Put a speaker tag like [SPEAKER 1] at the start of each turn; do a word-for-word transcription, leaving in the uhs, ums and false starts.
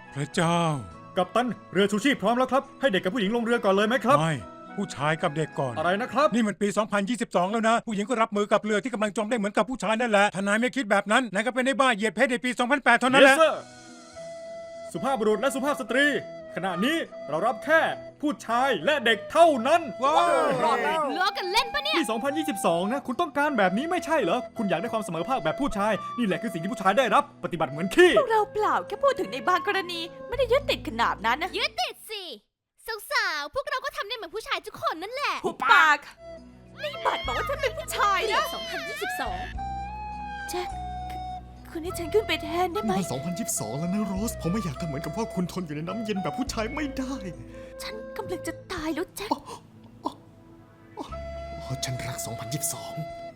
[SPEAKER 1] พระเจ้า
[SPEAKER 2] กัปตันเรือชูชีพพร้อมแล้วครับให้เด็กกับผู้หญิงลงเรือก่อนเลยไหมครับ
[SPEAKER 1] ไม่ผู้ชายกับเด็กก่อน
[SPEAKER 2] อะไรนะครับ
[SPEAKER 1] นี่มันปี สองพันยี่สิบสอง แล้วนะ ผู้หญิงก็รับมือกับเรือที่กำลังจมได้เหมือนกับผู้ชายนั่นแหละถ้านายไม่คิดแบบนั้นนายก็เป็นได้บ้าเหยียดเพศในปี สองพันแปด เท่านั้นแหละ
[SPEAKER 2] Yes sir สุภาพบุรุษและสุภาพสตรี ขณะนี้เรารับแค่ผู้ชายและเด็กเท่านั้น
[SPEAKER 1] ว้าว
[SPEAKER 2] รอดแล้ว
[SPEAKER 3] ล้อกันเล่นปะเนี่ย
[SPEAKER 2] นี่ สองพันยี่สิบสอง นะ คุณต้องการแบบนี้ไม่ใช่เหรอ คุณอยากได้ความเสมอภาคแบบผู้ชาย นี่แหละคือสิ่งที่ผู้ชายได้รับ ปฏิบัติเหมือนขี้
[SPEAKER 4] พวกเราเปล่าแค่พูดถึงในบางกรณี ไม่ได้ยึดติดขนาดนั้นนะ
[SPEAKER 3] ยึดติดสิ สาวๆ พวกเราก็ทำได้เหมือนผู้ชายทุกคนนั่นแหละ
[SPEAKER 4] หุบปาก นี่บัตรบอกว่าฉันเป็นผู้ชาย
[SPEAKER 3] ปี
[SPEAKER 4] นะ
[SPEAKER 3] สองพันยี่สิบสอง
[SPEAKER 4] แจ็คคุณให้ฉันขึ้นไปแทนได้ไหม
[SPEAKER 5] นี่มันสองพันยี่สิบสอง แล้วนะโรส ผมไม่อยากทำเหมือนกับว่าคุณทนอยู่ในน้ำเย็นแบบผู้ชายไม่ได้
[SPEAKER 4] ฉันกำลังจะตายแล้วแจ็ค
[SPEAKER 5] อ๋อฉันรักสองพันยี่สิบสอง